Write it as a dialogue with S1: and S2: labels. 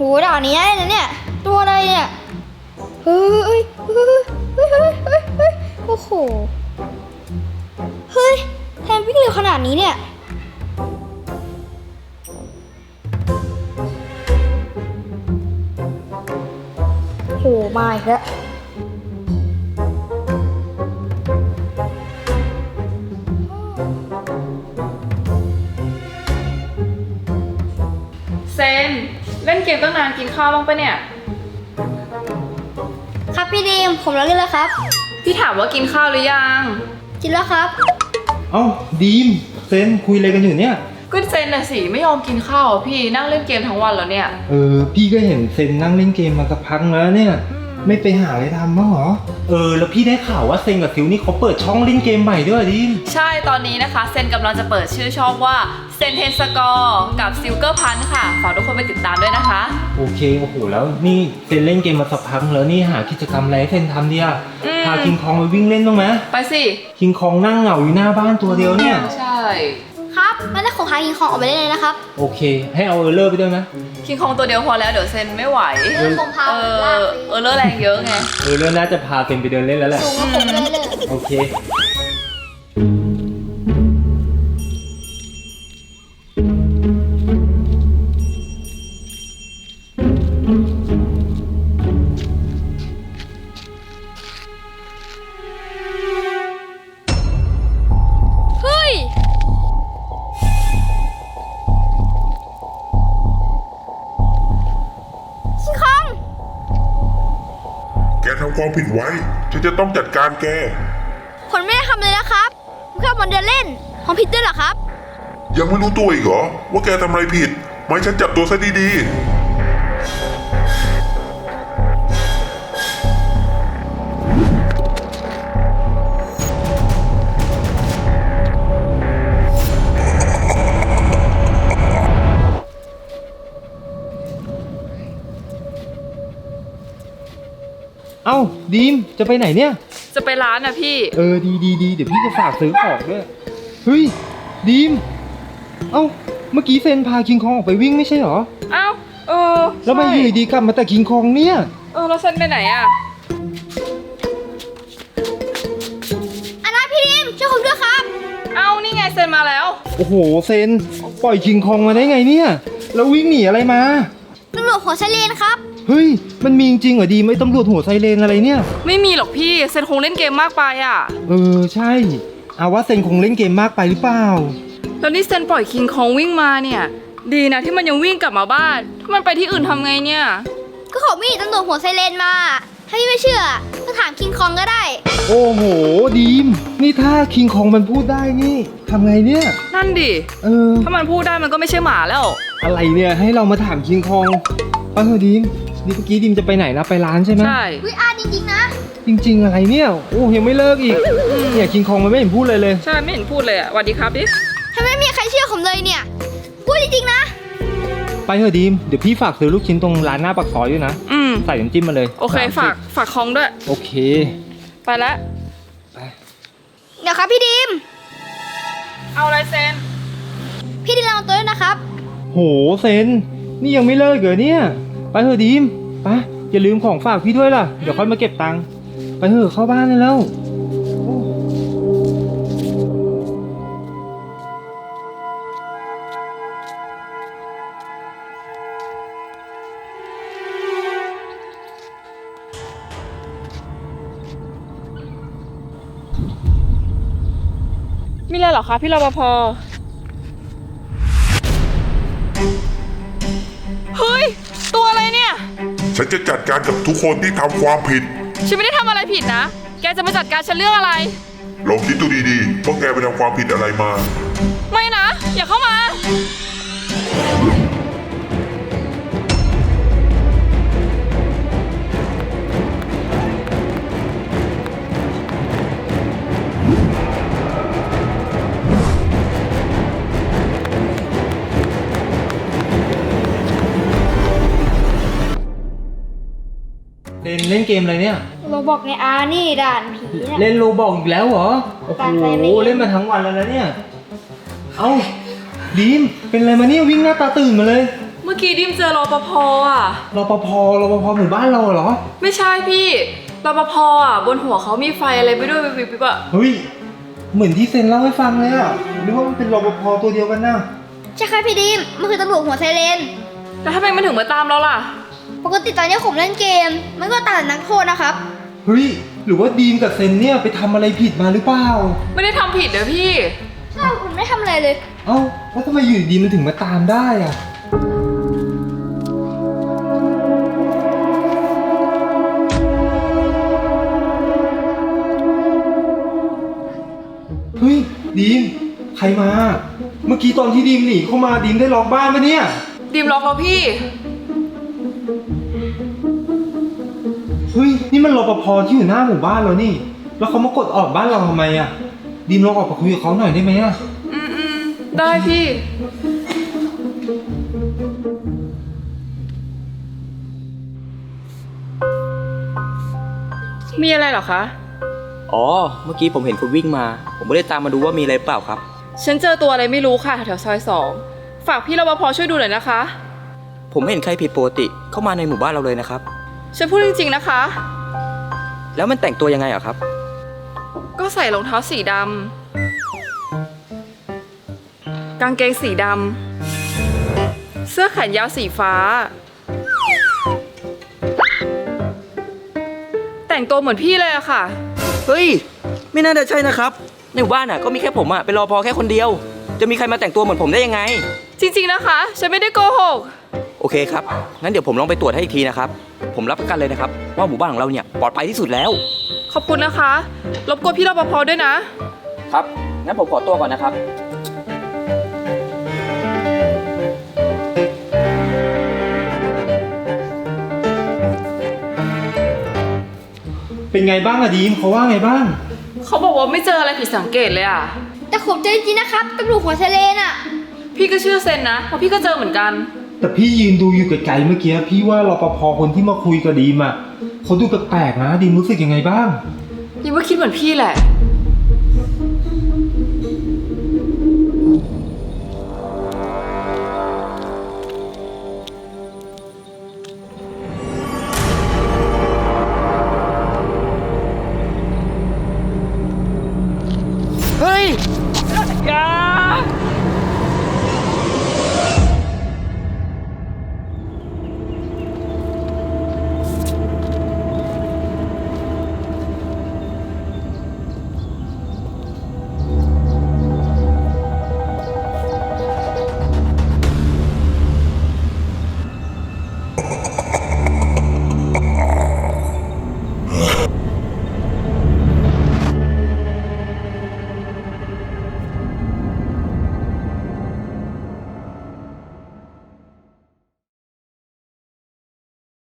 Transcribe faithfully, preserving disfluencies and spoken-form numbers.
S1: ด่านนี้ได้นะเนี่ยตัวอะไรเนี่ยเฮ้ยเฮ้ยเฮ้ยเฮ้ยเฮ้ยเฮ้ยเฮ้ยโอ้โหเฮ้ยแทนวิ่งเร็วขนาดนี้เนี่ยโหมาอีกแล้ว
S2: เซนเล่นเกมตั้งนานกินข้าวบ้างปะเนี่ย
S1: ครับพี่ดีมผมเล่นแล้วครับ
S2: พี่ถามว่ากินข้าวหรือยัง
S1: กินแล้วครับ
S3: เอ้าดีมเซนคุยอะไรกันอยู่เนี่ย
S2: ก็เซนน่ะสิไม่ยอมกินข้าวพี่นั่งเล่นเกมทั้งวันแล้วเนี่ย
S3: เออพี่ก็เห็นเซนนั่งเล่นเกมมาสักพักแล้วเนี่ยไม่ไปหาอะไรทำบ้างเหรอเออแล้วพี่ได้ข่าวว่าเซนกับซิวนี่เขาเปิดช่องเล่นเกมใหม่ด้วยดิม
S2: ใช่ตอนนี้นะคะเซนกำลังจะเปิดชื่อช่องว่าเซนเทนสกอร์กับซิลเกอร์พันค่ะฝากทุกคนไปติดตามด้วยนะคะ
S3: โอเคโอ้โหแล้วนี่เซนเล่นเกมมาสักพักแล้วนี่หากิจกรรมอะไรให้เซนทำดิอ่ะพาคิงคองไปวิ่งเล่นบ้างไหม
S2: ไปสิ
S3: คิงคองนั่งเหงาอยู่หน้าบ้านตัวเดียวเนี่ย
S2: ใช่
S1: ครับไม่ได้ขอพาคิงคองออกไปได้เลยนะครับ
S3: โอเคให้เอาเออร์เลอร์ไปด้วยไหม
S2: คิงคองตัวเดียวพอแล้วเดี๋ยวเซนไม่ไหว
S1: เออผมพา
S2: เออเออเลอร์แรงเยอะไง
S3: เออเรื่องน่าจะพาเซนไปเดินเล่นแล้วแหละ
S1: สูงกว่าผมเลยเลย
S3: โอเค
S1: เฮ้ยคิงคอง
S4: แกทำความผิดไว้ฉันจะต้องจัดการแก
S1: ผมไม่ได้ทำเลยนะครับผมแค่วันเดินเล่นผมผิดด้วยเหรอครับ
S4: ยังไม่รู้ตัวอีกเหรอว่าแกทำอะไรผิดไม่ฉันจับตัวซะดีๆ
S3: เอ้าดีมจะไปไหนเนี่ย
S2: จะไปร้านนะพี่
S3: เออดีดีดีเดี๋ยวพี่จะฝากซื้อของด้วยเฮ้ยดีมเอ้าเมื่อกี้เซนพาคิงคองออกไปวิ่งไม่ใช่หรอ
S2: เอ้าเออ
S3: แล้วมาอยู่ดีกลับมาแต่คิงคองเนี่ย
S2: เออแล้วเซนไปไหนอ่ะ
S1: อันนั้นพี่ดิมช่วยผมด้วยครับ
S2: เอ้านี่ไงเซนมาแล้ว
S3: โอ้โหเซนปล่อยคิงคองมาได้ไงเนี่ยแล้ววิ่งหนีอะไรมา
S1: ตำรวจหัวไซเรนครับ
S3: เฮ้ยมันมีจริงเหรอดีไม่ตำรวจหัวไซเรนอะไรเนี่ย
S2: ไม่มีหรอกพี่เซนคงเล่นเกมมากไปอ่ะ
S3: เออใช่เอาว่าเซนคงเล่นเกมมากไปหรือเปล่า
S2: แล้วนี่เซนปล่อยคิงคองวิ่งมาเนี่ยดีนะที่มันยังวิ่งกลับมาบ้านถ้ามันไปที่อื่นทำไงเนี่ย
S1: ก็เขามีตำรวจหัวไซเรนมาถ้าพี่ไม่เชื่อก็ถามคิงคองก็ได้
S3: โอ้โหดีมนี่ถ้าคิงคองมันพูดได้นี่ทำไงเนี่ย
S2: นั่นดิ
S3: เออ
S2: ถ้ามันพูดได้มันก็ไม่ใช่หมาแล้ว
S3: อะไรเนี่ยให้เรามาถามคิงคองเออดีมนี่เมื่อกี้ดิมจะไปไหนนะไปร้านใช่ไหม
S2: ใช่
S1: วิอาจริงๆนะ
S3: จริงๆอะไรเนี่ยโอ้ยังไม่เลิกอีกเนี่ยคิงคองมันไม่เห็นพูดเลยเลย
S2: ใช่ไม่เห็นพูดเลยอ่ะสวัสดีครับดิ
S1: ทำไมไม่มีใครเชื่อผมเลยเนี่ยพูดจริงๆนะ
S3: ไปเถอะดีมเดี๋ยวพี่ฝากซื้อลูกชิ้นตรงร้านหน้าปากซอยด้วยนะ
S2: อืม
S3: ใส่น้ำจิ้มมาเลย
S2: โอเคฝากฝากคองด้วย
S3: โอเค
S2: ไปละ
S3: ไป
S1: เดี๋ยวครับพี่ดิม
S2: เอาอะไรเซน
S1: พี่ดิมระวังตัวด้วยนะครับ
S3: โหเซนนี่ยังไม่เลิกเหรอเนี่ยไปเถอะดีมไปอย่าลืมของฝากพี่ด้วยล่ะเดี๋ยวค่อยมาเก็บตังค์ไปเถอะเข้าบ้านเลยแล้ว
S2: มีอะไรหรอคะพี่รปภเฮ้ยตัวอะไรเนี่ย
S4: ฉันจะจัดการกับทุกคนที่ทำความผิด
S2: ฉันไม่ได้ทำอะไรผิดนะแกจะมาจัดการฉันเรื่องอะไร
S4: ลองคิดดูดีๆว่าแกไปทำความผิดอะไรมา
S2: ไม่นะอย่าเข้ามา
S3: เล่นเล่นเกมอะไรเนี่ย
S1: โรบอกในอาร์นี่ด่านผีเนี่ย
S3: เล่นโรบอกอีกแล้วเหรอโอ้โหเล่นมาทั้งวันแล้วนะเนี่ยเอ้าดีมเป็นอะไรมาเนี่ยวิ่งหน้าตาตื่นมาเลย
S2: เมื่อกี้ดิมเจอรปภอ่ะ
S3: รปภรปภหมู่บ้านเราเหรอ
S2: ไม่ใช่พี่รปภอ่ะบนหัวเขามีไฟอะไรไปด้วยวิบวิบๆอ่ะ
S3: เฮ้ย เหมือนที่เซนเล่าให้ฟังเลยอะหรือว่ามันเป็นรปภตัวเดียวกันนะ
S1: ใช่ค่ะพี่ดิมมันคือตำรวจหัวไซเรน
S2: แล้วทำไมมันถึงมาตามเราล่ะ
S1: ปกติตอนนี้ผมเล่นเกม มันก็ตามแต่นักโทษนะครับ
S3: เฮ้ย หรือว่าดีมกับเซนเนี่ยไปทำอะไรผิดมาหรือเปล่า
S2: ไม่ได้ทำผิดเด้อพี่
S1: ใช่ผมไม่ทำอะไรเลย
S3: เอ้า แล้วทำไมอยู่ดีๆมันถึงมาตามได้อะเฮ้ย ดีม ใครมา เมื่อกี้ตอนที่ดีมหนีเข้ามาดีมได้ล็อกบ้านปะเนี่ย
S2: ดิมล็อกเราพี่
S3: เฮ้ย นี่มันรปภที่อยู่หน้าหมู่บ้านเรานี่ แล้วเขามากดออกบ้านเราทำไมอะดีมลองออกไปคุยกับเขาหน่อยได้ไหมอะ
S2: อืมอืมได้พี่ มีอะไรเหรอคะ
S5: อ๋อ เมื่อกี้ผมเห็นคุณวิ่งมา ผมไม่ได้ตามมาดูว่ามีอะไรเปล่าครับ
S2: ฉันเจอตัวอะไรไม่รู้ค่ะแถวซอยสองฝากพี่รปภช่วยดูหน่อยนะคะ
S5: ผมไม่เห็นใครผิดปกติเข้ามาในหมู่บ้านเราเลยนะครับ
S2: ฉันพูดจริงๆนะคะ
S5: แล้วมันแต่งตัวยังไงอะครับ
S2: ก็ใส่รองเท้าสีดำกางเกงสีดำเสื้อแขนยาวสีฟ้า แต่งตัวเหมือนพี่เลยอะค่ะ
S5: เฮ้ย ไม่น่าจะใช่นะครับ ในหมู่บ้านอะก็มีแค่ผมอะเป็นรปภแค่คนเดียว จะมีใครมาแต่งตัวเหมือนผมได้ยังไง
S2: จริงๆนะคะ ฉันไม่ได้โกหก
S5: โอเคครับ งั้นเดี๋ยวผมลองไปตรวจให้อีกทีนะครับ ผมรับประกันเลยนะครับว่าหมู่บ้านของเราเนี่ยปลอดภัยที่สุดแล้ว
S2: ขอบคุณนะคะ รบกวนพี่รปภด้วยนะ
S5: ครับ งั้นผมขอตัวก่อนนะครับ
S3: เป็นไงบ้างอะดีมเขาว่าไงบ้าง
S2: เขาบอกว่าไม่เจออะไรผิดสังเกตเลยอะ
S1: แต่ผมเจอจริงๆนะครับตำรวจหัวไซเรนอะ
S2: พี่ก็เชื่อเซนนะเพราะพี่ก็เจอเหมือนกัน
S3: แต่พี่ยืนดูอยู่ไกลๆเมื่อกี้พี่ว่ารปภคนที่มาคุยกับดีมอะเขาดูแปลกๆนะดีมรู้สึกยังไงบ้าง
S2: ยังว่าคิดเหมือนพี่แหละ